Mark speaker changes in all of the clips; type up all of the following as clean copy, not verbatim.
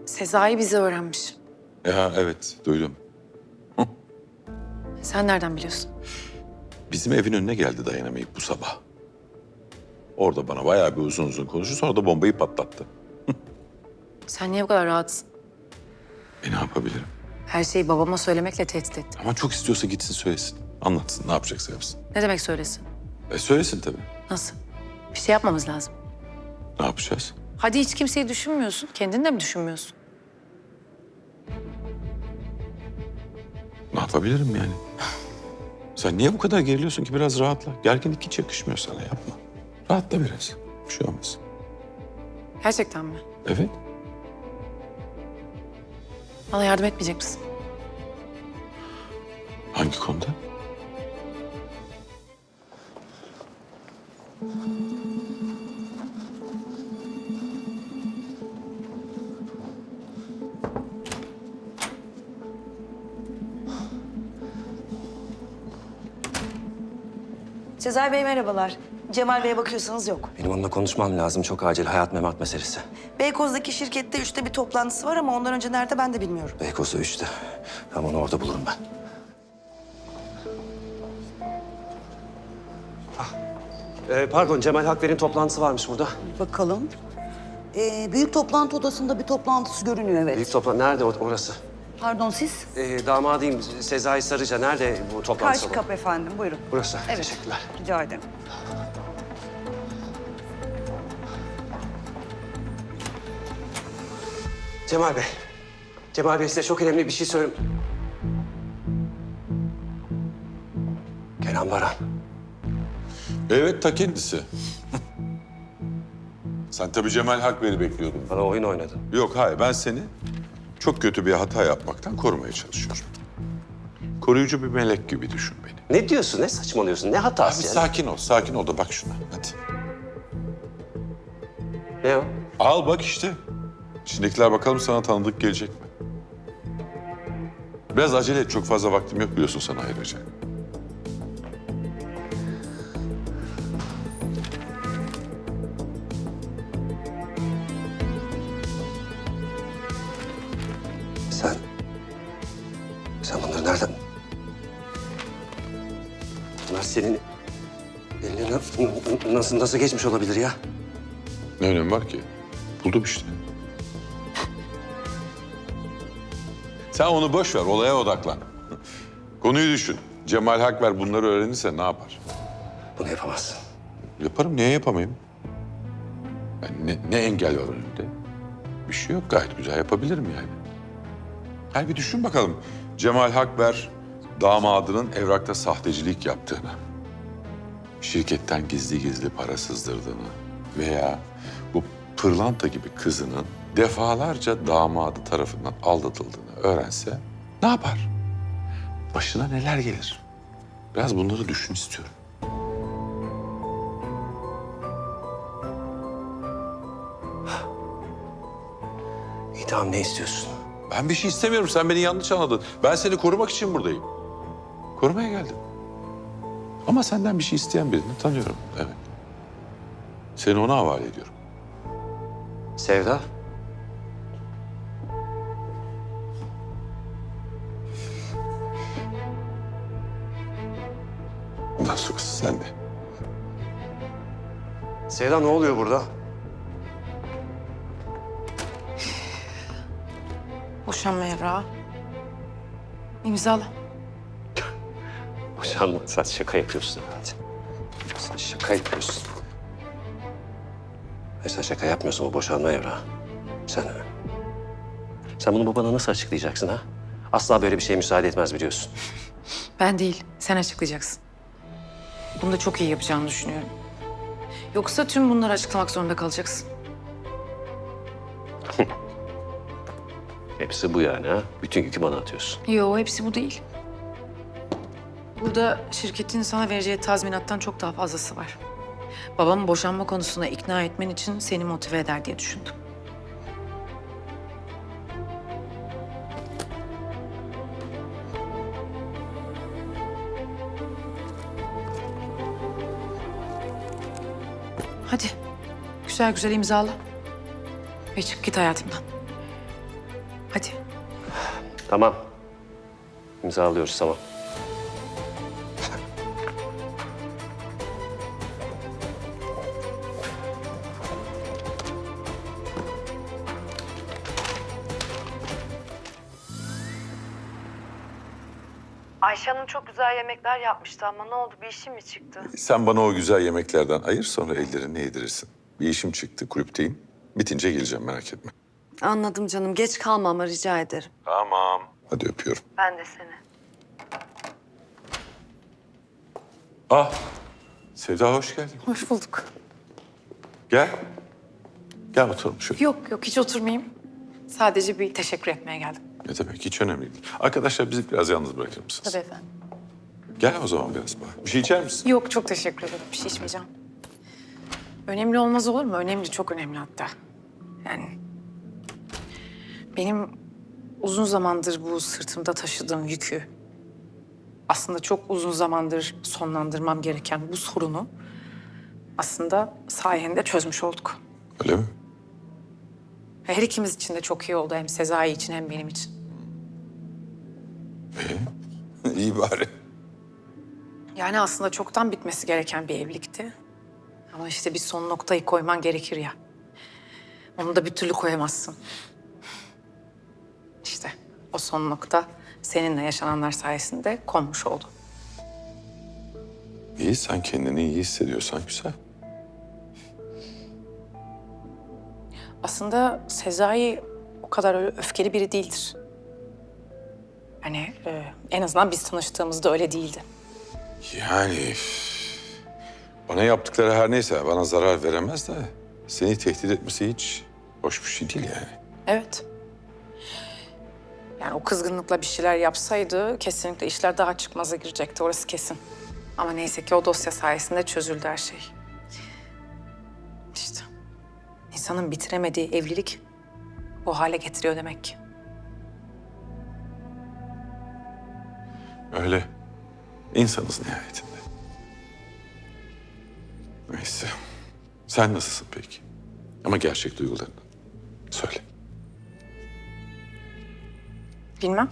Speaker 1: Sezai bizi öğrenmiş.
Speaker 2: Ya evet, duydum.
Speaker 1: Sen nereden biliyorsun?
Speaker 2: Bizim evin önüne geldi dayanamayıp bu sabah. Orada bana bayağı bir uzun uzun konuştu, sonra da bombayı patlattı.
Speaker 1: Sen niye bu kadar rahatsın?
Speaker 2: Ne yapabilirim?
Speaker 1: Her şeyi babama söylemekle tehdit ettin.
Speaker 2: Ama çok istiyorsa gitsin söylesin. Anlatsın, ne yapacaksa yapsın.
Speaker 1: Ne demek söylesin?
Speaker 2: Söylesin tabii.
Speaker 1: Nasıl? Bir şey yapmamız lazım.
Speaker 2: Ne yapacağız?
Speaker 1: Hadi hiç kimseyi düşünmüyorsun. Kendini de mi düşünmüyorsun?
Speaker 2: Ne yapabilirim yani? Sen niye bu kadar geriliyorsun ki? Biraz rahatla. Gerginlik hiç yakışmıyor sana, yapma. Rahatla biraz. Bir şey olmaz.
Speaker 1: Gerçekten mi?
Speaker 2: Evet.
Speaker 1: Bana yardım etmeyecek misin?
Speaker 2: Hangi konuda?
Speaker 3: Sezai Bey merhabalar. Cemal Bey'e bakıyorsanız yok.
Speaker 4: Benim onunla konuşmam lazım. Çok acil. Hayat memat meselesi.
Speaker 3: Beykoz'daki şirkette 3'te bir toplantısı var ama ondan önce nerede ben de bilmiyorum.
Speaker 4: Beykoz'da 3'te. Tamam, onu orada bulurum ben. Pardon, Cemal Hakver'in toplantısı varmış burada.
Speaker 3: Bakalım. Büyük toplantı odasında bir toplantısı görünüyor evet.
Speaker 4: Büyük toplantı nerede orası?
Speaker 3: Pardon siz?
Speaker 4: Damadıyım Sezai Sarıca. Nerede bu toplantı
Speaker 3: Karşı
Speaker 4: salonu?
Speaker 3: kapı efendim buyurun.
Speaker 4: Burası.
Speaker 3: Evet.
Speaker 4: Teşekkürler.
Speaker 3: Rica ederim.
Speaker 4: Cemal Bey. Cemal Bey, size çok önemli bir şey söyleyeyim. Kenan Baran.
Speaker 2: Evet, ta kendisi. Sen tabii Cemal Hakver'i bekliyordun.
Speaker 4: Bana oyun oynadın.
Speaker 2: Yok, hayır. Ben seni çok kötü bir hata yapmaktan korumaya çalışıyorum. Koruyucu bir melek gibi düşün beni.
Speaker 4: Ne diyorsun? Ne saçmalıyorsun? Ne
Speaker 2: Abi
Speaker 4: hatası ya?
Speaker 2: sakin ol, sakin ol da bak şuna. Hadi.
Speaker 4: Ne o?
Speaker 2: Al bak işte. İçindekiler bakalım sana tanıdık gelecek mi? Biraz acele et, çok fazla vaktim yok biliyorsun sana ayıracak.
Speaker 4: Sen bunları nereden... Bunlar senin eline nasıl geçmiş olabilir ya?
Speaker 2: Ne önemi var ki? Buldum işte. Sen onu boş ver, olaya odaklan. Konuyu düşün. Cemal Hakver bunları öğrenirse ne yapar?
Speaker 4: Bunu yapamazsın.
Speaker 2: Yaparım, niye yapamayayım? Yani ne engel var önünde? Bir şey yok, gayet güzel yapabilirim yani. Hadi bir düşün bakalım. Cemal Hakver damadının evrakta sahtecilik yaptığını, şirketten gizli gizli para sızdırdığını veya bu pırlanta gibi kızının defalarca damadı tarafından aldatıldığını öğrense ne yapar? Başına neler gelir? Biraz bunları düşün istiyorum.
Speaker 4: İyi tamam, ne istiyorsun?
Speaker 2: Ben bir şey istemiyorum. Sen beni yanlış anladın. Ben seni korumak için buradayım. Korumaya geldim. Ama senden bir şey isteyen birini tanıyorum. Evet. Seni ona havale ediyorum.
Speaker 4: Sevda?
Speaker 2: Bundan sonrası sende.
Speaker 4: Sevda, ne oluyor burada?
Speaker 1: Boşanma evrağı. İmzala.
Speaker 4: Boşanma, sen şaka yapıyorsun herhalde. Sen şaka yapıyorsun. Sen şaka yapmıyorsun, o boşanma evrağı. Sen bunu babana nasıl açıklayacaksın ha? Asla böyle bir şeye müsaade etmez biliyorsun.
Speaker 1: Ben değil, sen açıklayacaksın. Bunu da çok iyi yapacağını düşünüyorum. Yoksa tüm bunları açıklamak zorunda kalacaksın.
Speaker 4: Hepsi bu yani ha? Bütün yükü bana atıyorsun.
Speaker 1: Yo, hepsi bu değil. Burada şirketin sana vereceği tazminattan çok daha fazlası var. Babamı boşanma konusunda ikna etmen için seni motive eder diye düşündüm. Hadi, güzel güzel imzala. Ve çık git hayatımdan. Hadi.
Speaker 4: Tamam. İmzalıyoruz, tamam.
Speaker 5: Ayşe Hanım çok güzel yemekler yapmıştı ama ne oldu? Bir işi mi çıktı?
Speaker 2: Sen bana o güzel yemeklerden ayır, sonra ellerini yedirirsin. Bir işim çıktı, kulüpteyim. Bitince geleceğim, merak etme.
Speaker 5: Anladım canım. Geç kalma ama rica ederim.
Speaker 2: Tamam. Hadi öpüyorum.
Speaker 5: Ben de seni.
Speaker 2: Ah, Sevda hoş geldin.
Speaker 1: Hoş bulduk.
Speaker 2: Gel. Gel oturalım şöyle.
Speaker 1: Yok yok hiç oturmayayım. Sadece bir teşekkür etmeye geldim.
Speaker 2: Ne demek, hiç önemli değil. Arkadaşlar bizi biraz yalnız bırakır mısınız?
Speaker 1: Tabii efendim.
Speaker 2: Gel o zaman biraz bak. Bir şey içer misin?
Speaker 1: Yok çok teşekkür ederim. Bir şey içmeyeceğim. Önemli olmaz olur mu? Önemli, çok önemli hatta. Yani benim uzun zamandır bu sırtımda taşıdığım yükü, aslında çok uzun zamandır sonlandırmam gereken bu sorunu aslında sayende çözmüş olduk.
Speaker 2: Öyle mi?
Speaker 1: Her ikimiz için de çok iyi oldu. Hem Sezai için hem benim için.
Speaker 2: İyi bari.
Speaker 1: Yani aslında çoktan bitmesi gereken bir evlilikti. Ama işte bir son noktayı koyman gerekir ya. Onu da bir türlü koyamazsın. İşte o son nokta seninle yaşananlar sayesinde konmuş oldu.
Speaker 2: İyi, sen kendini iyi hissediyorsan güzel.
Speaker 1: Aslında Sezai o kadar öyle öfkeli biri değildir. Hani en azından biz tanıştığımızda öyle değildi.
Speaker 2: Yani bana yaptıkları her neyse bana zarar veremez de seni tehdit etmesi hiç hoş bir şey değil yani.
Speaker 1: Evet. Yani o kızgınlıkla bir şeyler yapsaydı kesinlikle işler daha çıkmaza girecekti, orası kesin. Ama neyse ki o dosya sayesinde çözüldü her şey. İşte insanın bitiremediği evlilik bu hale getiriyor demek ki.
Speaker 2: Öyle. İnsanız nihayetinde. Neyse. Sen nasılsın peki? Ama gerçek duygularını söyle.
Speaker 1: Bilmem.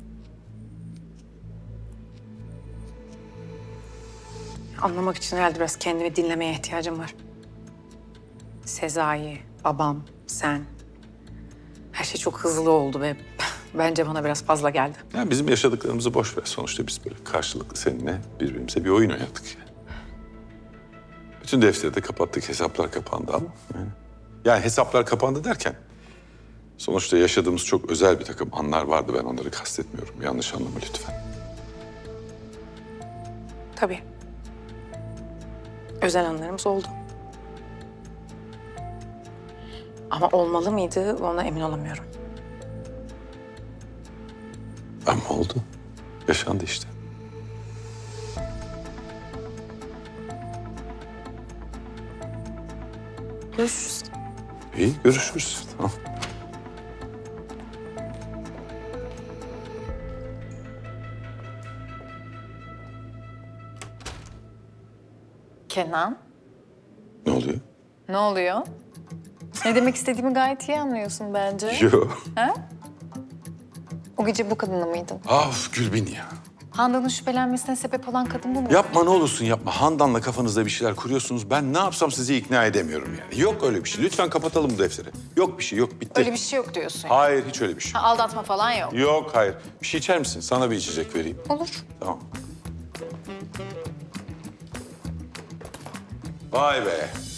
Speaker 1: Anlamak için herhalde biraz kendimi dinlemeye ihtiyacım var. Sezai, babam, sen. Her şey çok hızlı oldu ve bence bana biraz fazla geldi.
Speaker 2: Yani bizim yaşadıklarımızı boş ver. Sonuçta biz böyle karşılıklı seninle birbirimize bir oyun oynadık yani. Bütün defteri de kapattık, hesaplar kapandı ama yani hesaplar kapandı derken sonuçta yaşadığımız çok özel bir takım anlar vardı. Ben onları kastetmiyorum. Yanlış anlama lütfen.
Speaker 1: Tabii. Özel anlarımız oldu. Ama olmalı mıydı ona emin olamıyorum.
Speaker 2: Ama oldu. Yaşandı işte.
Speaker 1: Görüşürüz.
Speaker 2: İyi, görüşürüz. Tamam.
Speaker 6: Kenan,
Speaker 2: Ne oluyor?
Speaker 6: ne oluyor? Ne demek istediğimi gayet iyi anlıyorsun bence.
Speaker 2: Yok.
Speaker 6: O gece bu kadınla mıydın?
Speaker 2: Af Gülbin ya.
Speaker 6: Handan'ın şüphelenmesine sebep olan kadın bu mu?
Speaker 2: Yapma ne olursun yapma. Handan'la kafanızda bir şeyler kuruyorsunuz. Ben ne yapsam sizi ikna edemiyorum yani. Yok öyle bir şey. Lütfen kapatalım bu defteri. Yok bir şey, yok bitti.
Speaker 6: Öyle bir şey yok diyorsun.
Speaker 2: Hayır, hiç öyle bir şey.
Speaker 6: Ha, aldatma falan yok.
Speaker 2: Yok, hayır. Bir şey içer misin? Sana bir içecek vereyim.
Speaker 6: Olur.
Speaker 2: Tamam. Vay be.